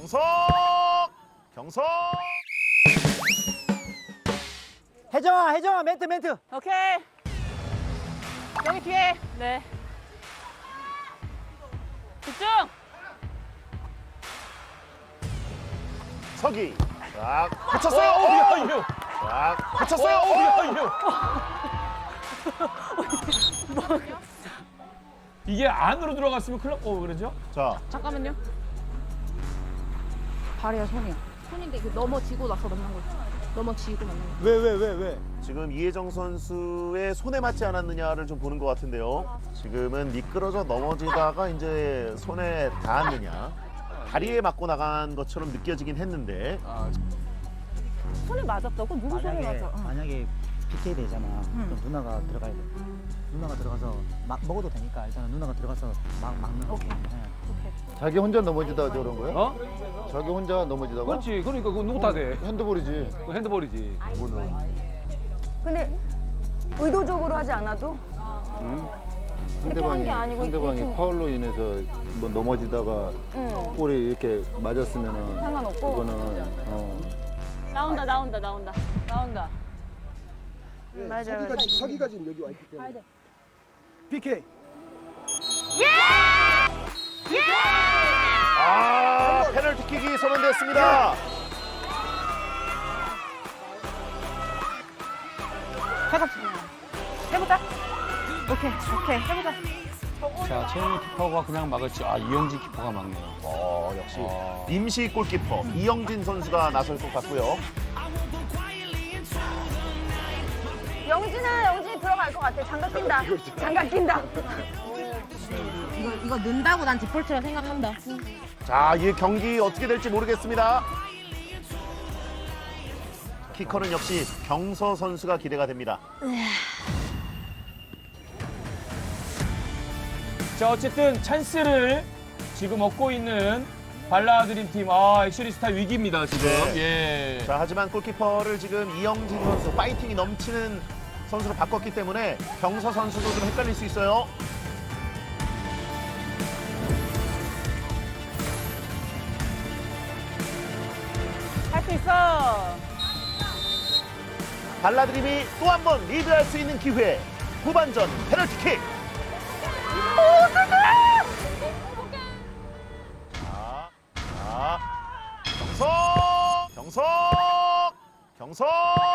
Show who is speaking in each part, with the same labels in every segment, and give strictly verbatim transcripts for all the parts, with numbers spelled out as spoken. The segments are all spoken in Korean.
Speaker 1: 경석! 경석!
Speaker 2: 혜정아, 혜정아, 멘트, 멘트.
Speaker 3: 오케이. 여기 뒤에. 네. 집중.
Speaker 1: 서기. 자, 붙였어요.
Speaker 4: 어, 야, 이거.
Speaker 1: 자, 붙였어요.
Speaker 4: 어, 야, 이거. 이게 안으로 들어갔으면 큰일 났고 그러죠?
Speaker 1: 자,
Speaker 3: 잠깐만요. 발이야, 손이야. 손인데 이거 넘어지고 나서 만난 거지. 넘어지고 만난 거.
Speaker 2: 왜, 왜, 왜, 왜?
Speaker 1: 지금 이혜정 선수의 손에 맞지 않았느냐를 좀 보는 것 같은데요. 지금은 미끄러져 넘어지다가 이제 손에 닿았느냐. 다리에 맞고 나간 것처럼 느껴지긴 했는데.
Speaker 4: 아,
Speaker 3: 손에 맞았다고? 누구 손에
Speaker 2: 만약에,
Speaker 3: 맞아? 어.
Speaker 2: 만약에 피케이 되잖아. 그럼 누나가 들어가야 돼. 누나가 들어가서 막 먹어도 되니까 일단은 누나가 들어가서 막 막는 거.
Speaker 3: 오케이.
Speaker 2: 네.
Speaker 5: 자기 혼자 넘어지다가 저런 거야?
Speaker 4: 어?
Speaker 5: 자기 혼자 넘어지다가?
Speaker 4: 그렇지. 그러니까 그거 누구 탓해?
Speaker 5: 핸드볼이지.
Speaker 4: 그거 핸드볼이지.
Speaker 6: 근데 의도적으로 하지 않아도
Speaker 5: 상대방이,
Speaker 6: 게 아니고
Speaker 5: 상대방이
Speaker 6: 이렇게-
Speaker 5: 파울로 인해서 뭐 넘어지다가
Speaker 6: 응,
Speaker 5: 볼이 이렇게 맞았으면은
Speaker 6: 상관없고.
Speaker 5: 그거는 어.
Speaker 3: 나온다, 나온다, 나온다. 나온다. 맞아, 맞아.
Speaker 7: 서기가 지금 여기 와 있기 때문에. 피케이.
Speaker 1: 아, 페널티킥이 선언됐습니다.
Speaker 3: 해봐. 해보자. 오케이, 오케이. 해보자.
Speaker 4: 자, 최현희 키퍼가 그냥 막을지. 아, 이영진 키퍼가 막네요.
Speaker 1: 어, 역시
Speaker 4: 아.
Speaker 1: 임시 골키퍼 이영진 선수가 나설 것 같고요.
Speaker 6: 영진아, 영진이 들어갈 것 같아. 장갑 낀다. 장갑 낀다.
Speaker 3: 이거, 이거 넣는다고 난 디폴트라 생각한다.
Speaker 1: 자, 이 경기 어떻게 될지 모르겠습니다. 키커는 역시 경서 선수가 기대가 됩니다.
Speaker 4: 자, 어쨌든 찬스를 지금 얻고 있는 발라드림 팀. 아, 액츄리 스타 위기입니다, 지금.
Speaker 1: 네.
Speaker 4: 예.
Speaker 1: 자, 하지만 골키퍼를 지금 이영진 선수 파이팅이 넘치는 선수로 바꿨기 때문에 경서 선수도 좀 헷갈릴 수 있어요.
Speaker 3: 할 수 있어.
Speaker 1: 발라드림이 또 한 번 리드할 수 있는 기회. 후반전 페널티킥. 자, 자, 경석, 경석, 경석.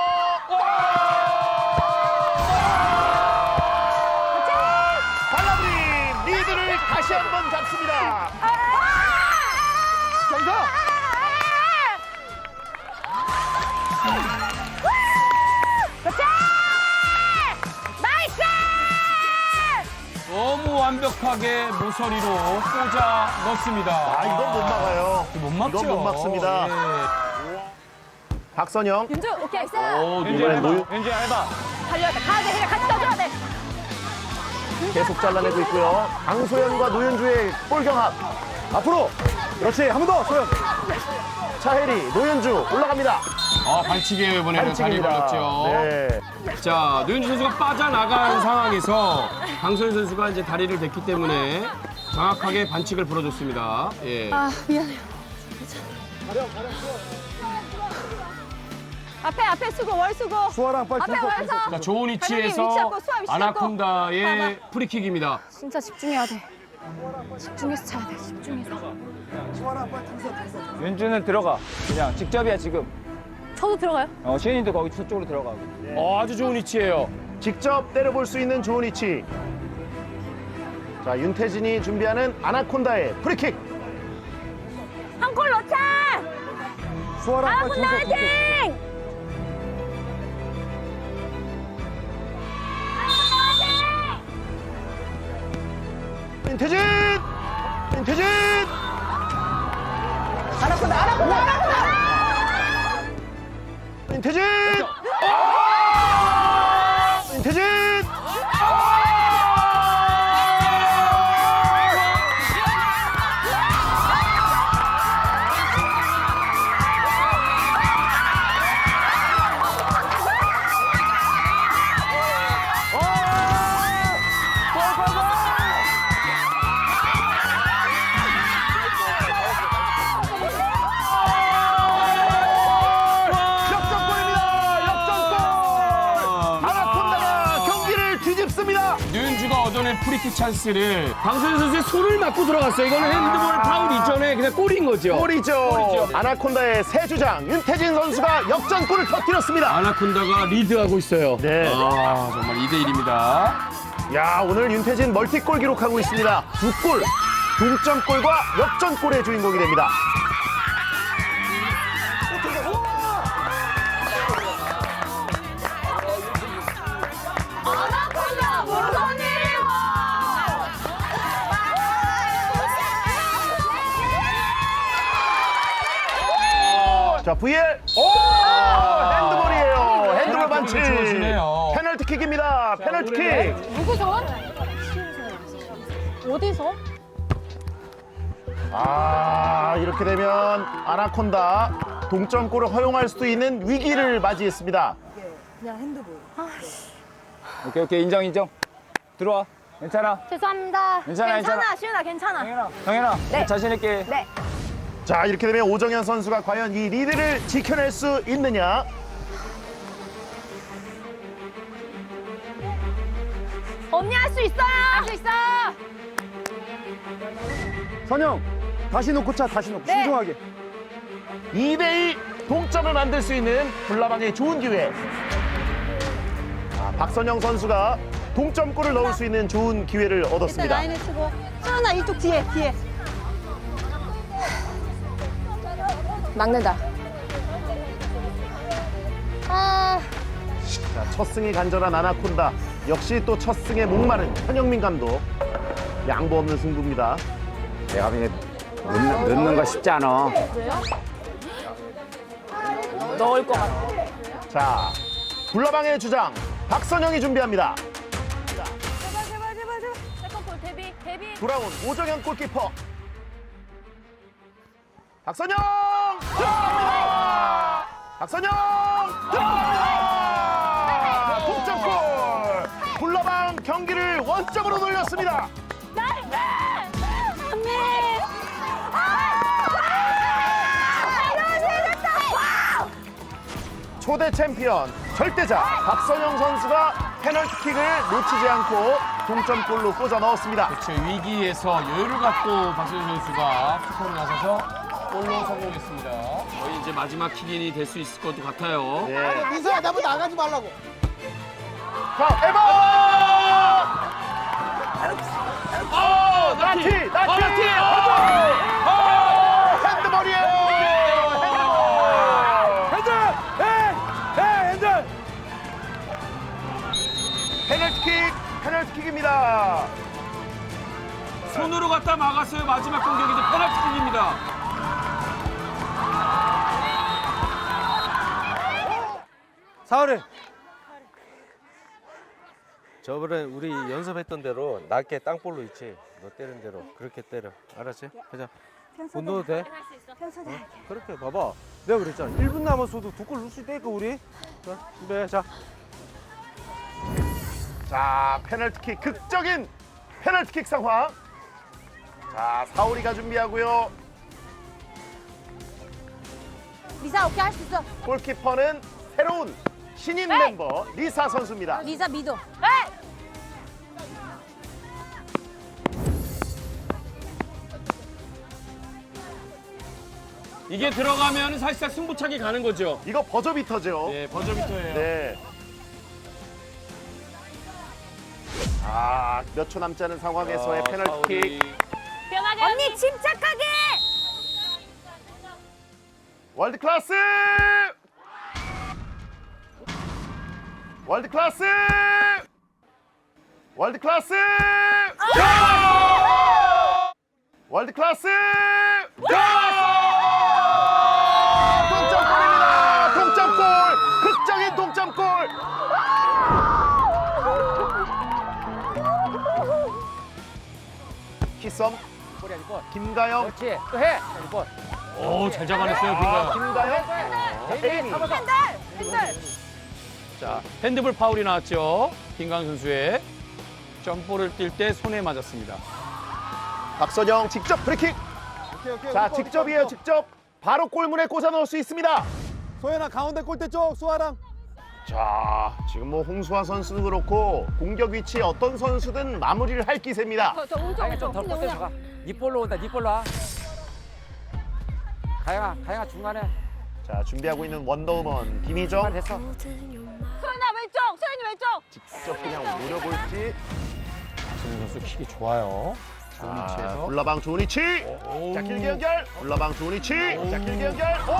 Speaker 1: 발라드림 리드를 다시 한 번 잡습니다. 경석.
Speaker 4: 너무 완벽하게 모서리로 꽂아 넣습니다.
Speaker 1: 아, 이건 못 막아요.
Speaker 4: 못 막죠.
Speaker 1: 이건 못 막습니다. 박선영.
Speaker 6: 윤주, 오케이.
Speaker 4: 예. 오,
Speaker 1: 이번엔
Speaker 4: 왠지
Speaker 1: 노유-
Speaker 4: 해봐. 왠지 해봐.
Speaker 6: 달려야 돼. 가야 돼. 그냥 같이 떠줘야 돼.
Speaker 1: 계속 잘라내고 있고요. 강소연과 노현주의 볼 경합. 앞으로. 그렇지. 한 번 더. 소연. 차혜리, 노현주 올라갑니다.
Speaker 4: 아, 반칙이에요, 이번에는. 다리
Speaker 1: 반칙입니다.
Speaker 4: 걸렸죠.
Speaker 1: 네.
Speaker 4: 자, 노현주 선수가 빠져나간 상황에서 강소연 선수가 이제 다리를 댔기 때문에 정확하게 반칙을 불어줬습니다. 예.
Speaker 6: 아, 미안해요. 앞에, 앞에 수고, 월 수고.
Speaker 7: 수아랑 빨리
Speaker 6: 앞에
Speaker 7: 준서,
Speaker 6: 월서.
Speaker 4: 자, 좋은
Speaker 6: 위치
Speaker 4: 위치에서
Speaker 6: 잡고, 수아 위치 잡고.
Speaker 4: 아나콘다의 프리킥입니다.
Speaker 6: 진짜 집중해야 돼. 집중해서 차야 돼. 집중해서.
Speaker 7: 수아랑 빨리 준서, 준서.
Speaker 2: 윤주는 들어가. 그냥 직접이야, 지금.
Speaker 6: 저도 들어가요?
Speaker 2: 어, 시현이도 거기 저쪽으로 들어가고.
Speaker 4: 어, 아주 좋은 위치예요.
Speaker 1: 직접 때려볼 수 있는 좋은 위치. 자, 윤태진이 준비하는 아나콘다의 프리킥.
Speaker 6: 한 골 넣자!
Speaker 7: 수아랑 빨리
Speaker 6: 아군
Speaker 7: 준서, 준서.
Speaker 6: 화이팅!
Speaker 1: 윤태진! 윤태진!
Speaker 6: 아나콘다, 아나콘다, 아나콘다!
Speaker 1: 윤태진! 윤태진!
Speaker 4: 될 프리킥 찬스를 방소연 선수의 손을 맞고 들어갔어요. 이거는 핸드볼 파울 이전에 그냥 골인 거죠.
Speaker 1: 골이죠.
Speaker 4: 골이죠.
Speaker 1: 아나콘다의 새 주장 윤태진 선수가 역전골을 터뜨렸습니다.
Speaker 4: 아나콘다가 리드하고 있어요.
Speaker 1: 네.
Speaker 4: 아, 정말 이 대 일입니다.
Speaker 1: 야, 오늘 윤태진 멀티골 기록하고 있습니다. 두 골, 동점골과 역전골의 주인공이 됩니다.
Speaker 6: 아나콘다 무슨
Speaker 1: 자, 브이엘. 오! 핸드볼이에요. 핸드볼 반칙.
Speaker 4: 좋으시네요.
Speaker 1: 페널티킥입니다. 페널티킥.
Speaker 3: 누구 손? 어디서?
Speaker 1: 아, 이렇게 되면 아나콘다 동점골을 허용할 수도 있는 위기를 맞이했습니다.
Speaker 8: 오케이 오케이 인정 인정 들어와 괜찮아
Speaker 6: 죄송합니다.
Speaker 8: 괜찮아,
Speaker 6: 괜찮아,
Speaker 8: 괜찮아.
Speaker 6: 시윤아 괜찮아.
Speaker 8: 형현아
Speaker 6: 네.
Speaker 8: 자신 있게
Speaker 6: 네.
Speaker 1: 자, 이렇게 되면 오정현 선수가 과연 이 리드를 지켜낼 수 있느냐?
Speaker 6: 언니 할 수 있어요. 할 수 있어.
Speaker 7: 선영 다시 놓고 차 다시 놓고
Speaker 6: 네.
Speaker 7: 신중하게.
Speaker 1: 이 대 이 동점을 만들 수 있는 불나방의 좋은 기회. 아, 박선영 선수가 동점골을 넣을 수 있는 좋은 기회를 얻었습니다.
Speaker 6: 치고. 시윤아 이쪽 뒤에 뒤에. 막는다. 아.
Speaker 1: 자, 첫 승이 간절한 아나콘다. 역시 또 첫 승에 목마른 현영민 감독. 양보 없는 승부입니다.
Speaker 8: 내가 그냥 넣는, 넣는 거 쉽지 않아
Speaker 6: 넣을 것 같아.
Speaker 1: 자, 불나방의 주장 박선영이 준비합니다.
Speaker 6: 제발 제발 제발 제발. 세컨볼 데뷔 데뷔.
Speaker 1: 돌아온 오정현 골키퍼. 박선영! 들어갑니다! 박선영! 들어갑니다! 동점골! 불나방 경기를 원점으로 돌렸습니다.
Speaker 6: 나이스! 언니!
Speaker 1: 초대 챔피언, 절대자 박선영 선수가 페널티킥을 놓치지 않고 동점골로 꽂아 넣었습니다.
Speaker 4: 그렇죠. 위기에서 여유를 갖고 박소연 선수가 키퍼로 나서서 골로 성공했습니다. 거의 이제 마지막 킥인이 될 수 있을 것도 같아요.
Speaker 1: 네.
Speaker 7: 민서야 나보고 나가지 말라고.
Speaker 1: 자, 에버!
Speaker 4: 어,
Speaker 1: 나티! 나티!
Speaker 4: 어, 나티!
Speaker 1: 어! 핸드볼이에요! 핸드볼!
Speaker 7: 핸들! 해! 해! 핸들!
Speaker 1: 페널티킥! 페널티킥입니다.
Speaker 4: 손으로 갖다 막았어요. 마지막 공격이 이제 페널티킥입니다.
Speaker 7: 사월에
Speaker 9: 저번에 우리 연습했던 대로 낮게 땅볼로 있지. 너 때린 대로 그렇게 때려. 알았지? 가자. 못 넣어도 돼? 어? 그렇게 봐봐.
Speaker 7: 내가 그랬잖아. 일 분 남았어도 두 골 넣을 수 있다니까 우리. 자, 준비해. 자.
Speaker 1: 자, 페널티킥, 극적인 페널티킥 상황. 자, 사오리가 준비하고요.
Speaker 6: 리사 오케이 할 수 있어.
Speaker 1: 골키퍼는 새로운 신인
Speaker 6: 네.
Speaker 1: 멤버 리사 선수입니다.
Speaker 6: 리사 믿어. 네.
Speaker 4: 이게 들어가면 사실상 승부차기 가는 거죠.
Speaker 1: 이거 버저비터죠.
Speaker 4: 네, 버저비터예요.
Speaker 1: 네. 아, 몇 초 남지 않은 상황에서의
Speaker 4: 아,
Speaker 1: 페널티킥.
Speaker 4: 사울이.
Speaker 6: 편하게. 언니 침착하게.
Speaker 1: 월드 클래스! 월드 클래스! 월드 클래스! 월드 클래스! 동점골입니다. 동점골! 극적인 동점골! 키썸 김가영.
Speaker 8: 그렇지 또해 볼
Speaker 4: 오, 잘 잡아냈어요, 빈가.
Speaker 1: 김가영. 에이미.
Speaker 6: 핸들 핸들.
Speaker 4: 자, 핸드볼 파울이 나왔죠. 빈강 선수의 점볼을 뛸 때 손에 맞았습니다.
Speaker 1: 박선영 직접 프리킥.
Speaker 7: 오케이, 오케이.
Speaker 1: 자,
Speaker 7: 묶어,
Speaker 1: 직접이에요,
Speaker 7: 묶어.
Speaker 1: 직접. 바로 골문에 꽂아 넣을 수 있습니다.
Speaker 7: 소연아 가운데 골대 쪽 수아랑.
Speaker 1: 자, 지금 뭐 홍수아 선수도 그렇고 공격 위치에 어떤 선수든 마무리를 할 기세입니다.
Speaker 3: 저, 저 오죠, 오죠. 근데 그냥
Speaker 8: 니 볼로 온다. 니 볼로 와. 가영아, 가영아 중간에.
Speaker 1: 자, 준비하고 있는 원더우먼 김희정.
Speaker 8: 됐어.
Speaker 6: 소연아 왼쪽, 소연이 왼쪽.
Speaker 1: 직접 그냥 노려볼지.
Speaker 9: 박선영 선수 킥이 좋아요. 좋은
Speaker 1: 자,
Speaker 9: 위치에서.
Speaker 1: 불나방 좋은 위치.
Speaker 4: 오.
Speaker 1: 자, 길게 연결. 불나방 좋은 위치. 자, 길게 연결. 오!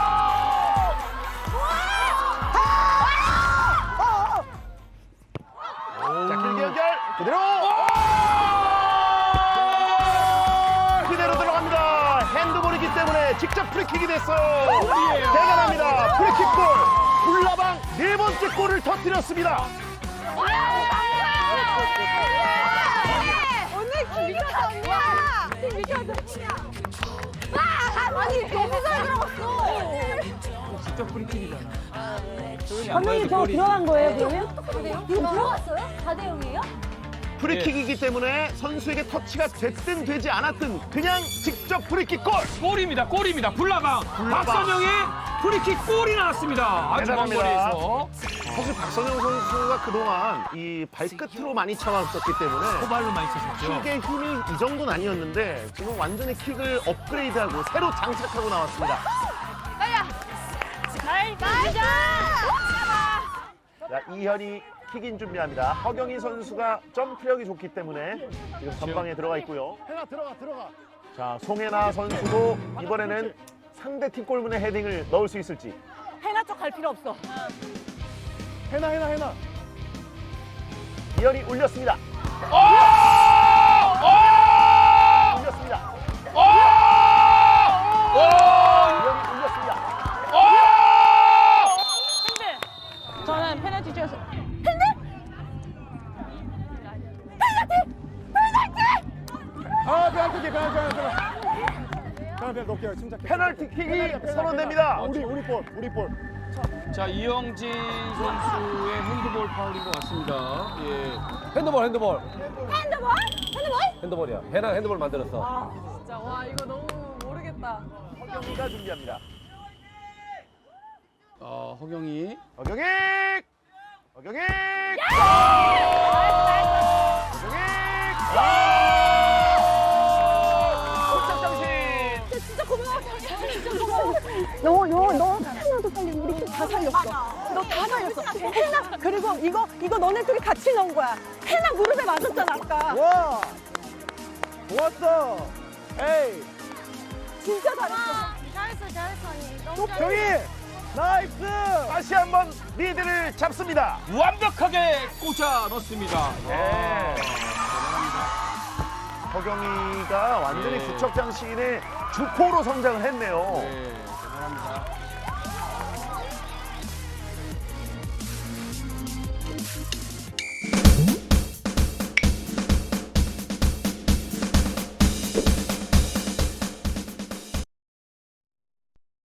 Speaker 1: 자, 길게 연결. 그대로. 그대로 들어갑니다. 핸드볼이기 때문에 직접 프리킥이 됐어요. 대단합니다. 프리킥골. 불나방 네 번째 골을 터뜨렸습니다.
Speaker 6: 언니 미쳤다 언니야. 미쳤다. 와, 아니 너무 잘 들어갔어.
Speaker 8: 직접 프리킥이잖아.
Speaker 6: 감독님 저 들어간 거예요 그러면? 이거 들어갔어요? 사 대 영이에요?
Speaker 1: 프리킥이기 때문에 선수에게 터치가 됐든 되지 않았든 그냥 직접 프리킥골.
Speaker 4: 골입니다. 골입니다. 불나방.
Speaker 1: 불나방.
Speaker 4: 박선영의 프리킥 골이 나왔습니다. 아주 먼
Speaker 1: 대단합니다.
Speaker 4: 거리에서.
Speaker 1: 사실 박선영 선수가 그동안 이 발끝으로 많이 참았었기 때문에
Speaker 4: 호발로 많이 치셨죠.
Speaker 1: 킥의 힘이 이 정도는 아니었는데 지금 완전히 킥을 업그레이드하고 새로 장착하고 나왔습니다.
Speaker 6: 날 나이스!
Speaker 1: 자, 이현이 킥인 준비합니다. 허경희 선수가 점프력이 좋기 때문에 지금 전방에 들어가 있고요. 해나 들어가 들어가. 자, 송혜나 선수도 이번에는 상대 팀 골문에 헤딩을 넣을 수 있을지.
Speaker 6: 해나 쪽 갈 필요 없어.
Speaker 1: 해나 해나 해나. 이현이 올렸습니다. 올렸습니다. 이현이 올렸습니다.
Speaker 3: 저는 페널티 찍었어.
Speaker 7: 아 페널티킥 페널티킥 페널티킥 높게 침착해.
Speaker 1: 페널티킥이 선언됩니다.
Speaker 7: 우리 우리 볼 우리 볼.
Speaker 4: 자, 이영진 선수의 핸드볼 파울인 것 같습니다. 예.
Speaker 9: 핸드볼, 핸드볼.
Speaker 6: 핸드볼? 핸드볼?
Speaker 9: 핸드볼이야. 해나 핸드볼 만들었어.
Speaker 3: 진짜 와 이거 너무 모르겠다.
Speaker 1: 허경희가 준비합니다.
Speaker 4: 어, 허경이.
Speaker 1: 허경희! 허경희! 허경희!
Speaker 6: 진짜 고마워. 진짜 고마워. 너, 너, 너 하나도 살리고 우리 팀 다 살렸어. 너 다 살렸어. 해나 그리고 이거 이거 너네 둘이 같이 넣은 거야. 해나 무릎에 맞았잖아 아까.
Speaker 7: 와 좋았어. 에이
Speaker 6: 진짜 잘했어.
Speaker 3: 잘했어, 잘했어 언니. 너무
Speaker 7: 경희 나이스.
Speaker 1: 다시 한번 리드를 잡습니다.
Speaker 4: 완벽하게 꽂아 넣습니다.
Speaker 1: 네. 허경희가 완전히
Speaker 4: 네.
Speaker 1: 구척장 시인의 주포로 성장을 했네요.
Speaker 4: 네, 대단합니다.